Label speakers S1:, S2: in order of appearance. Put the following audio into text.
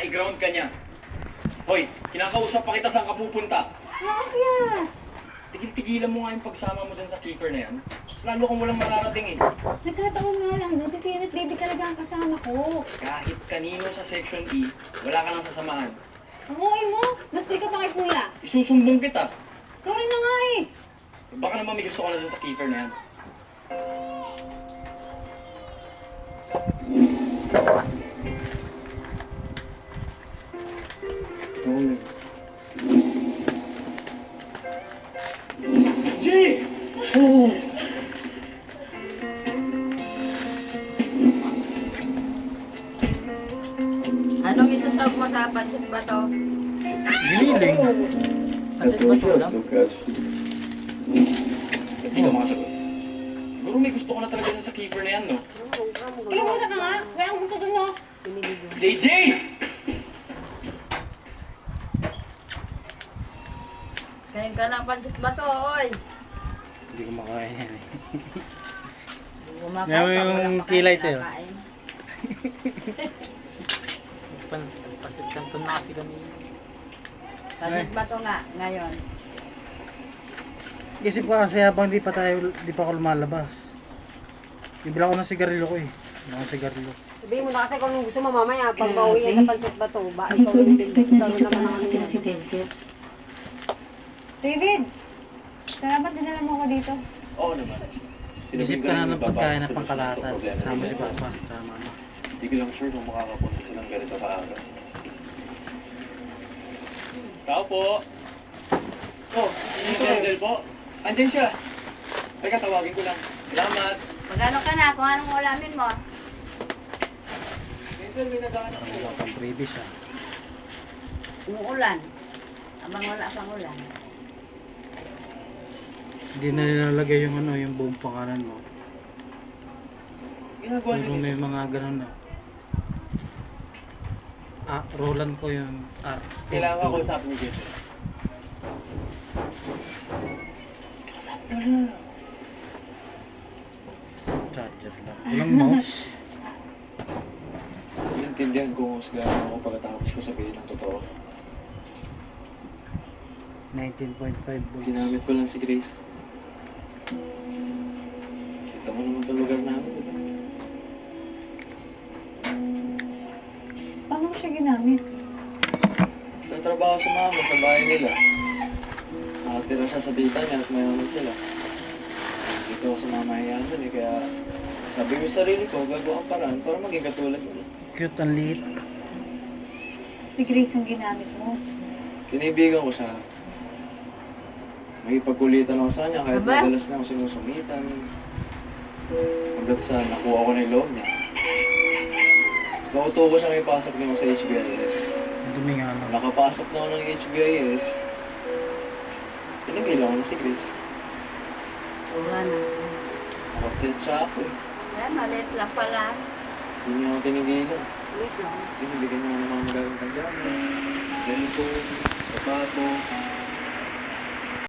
S1: i-ground ka niya. Hoy, kinakausap pa kita saan ka pupunta.
S2: Bakit?
S1: Tigil-tigilan mo nga yung pagsama mo dyan sa keeper na yan. Mas lalo kang walang mararating eh.
S2: Nagkataon nga lang nun, si Sin at David talaga ang kasama ko.
S1: Kahit kanino sa Section E, wala ka nang sasamahan.
S2: Ang okay mo, mas ka pa kay kuya.
S1: Isusumbong kita.
S2: Sorry na nga eh.
S1: Baka naman may gusto ka na dyan sa keeper na yan. Jay! Oh!
S3: Anong isusog mo sa pansit ba to?
S4: Giniling. Kasi ba ito lang?
S1: Hindi ka makasagot. Siguro may gusto ko na talaga dyan sa keeper na yan, no?
S2: Kaya muna ka nga, wala akong gusto dun no.
S1: JJ!
S3: Kain ka ng pansit ba to, oy?
S4: Hindi ko makain yan eh.
S3: Kumakain
S4: Yan
S3: pa,
S4: yung
S3: walang
S4: kilay
S3: makain,
S4: tayo.
S3: nakain.
S4: Pasit kanton na kasi kami.
S3: Pansit ba to nga, ngayon?
S4: Isip ko kasi habang di pa ako lumalabas. Bibila ko ng sigarilyo ko eh. Wala akong sigarilyo.
S5: Sabihin mo na kasi kung anong gusto mo mamaya, pag pauwi yan sa pansit ba to, ba?
S2: Hindi ko in-expect na dito pa
S5: naman
S2: nakatira si Denzel. David! Salamat dinala mo ako dito.
S1: Oo naman.
S4: Isip ka na ng pagkain na pangkalahatan. Sama si Papa. Sama mama.
S1: Hindi ko lang sure kung makakapunta silang ganito kaagad. Tao po! Oh, si Denzel po.
S6: Andyan siya. Teka, tawagin ko lang.
S1: Salamat.
S3: Magano ka na kung anong ulamin mo?
S6: Denzel, may naghahanap sa'yo.
S4: Wala kang previous ah.
S3: Umuulan. Abang wala pang ulan.
S4: Hindi na nilalagay yung ano, yung buong pangalan mo.
S6: Ginagawa niyo
S4: Pero
S6: dito.
S4: may mga ganun na. Ah, Roland ko yung R.
S1: Kailangan ko kausapin ni Denzel.
S4: Charger lang. Walang mouse.
S1: Iintindihan ko kung gaano ako pagkatapos ko sabihin ng totoo.
S4: 19.5 volts.
S1: Ginamit ko lang si Grace. Kita mo naman itong lugar namin, di ba?
S2: Paano mo siya ginamit?
S1: Nagtatrabaho sa mama sa bahay nila. Nakatira siya sa tita niya at mayaman sila. Dito ako sa mamahayanan eh, kaya sabi ko sa sarili ko, gagawa ang paraan para maging katulad mo.
S4: Cute ang liit.
S2: Si Grace ang ginamit mo.
S1: Kinibigan ko siya. May pagkulitan ako sa kanya kahit
S3: Aba?
S1: madalas na ako sinusumitan. Hanggat sa nakuha ko na yung loob niya. Nauto ko siya may pasok niya sa HBIS.
S4: Ang dumi nga lang.
S1: Nakapasok na ako ng HBIS. Pinagilan ko na si Grace.
S3: Wala na.
S1: Nakonsensya ako eh.
S3: Kaya maliit lang pala.
S1: Hindi niya ako tinigilan.
S3: Wait lang.
S1: Binibigyan niya ng mga magaling pagdama. Cellphone, sapato,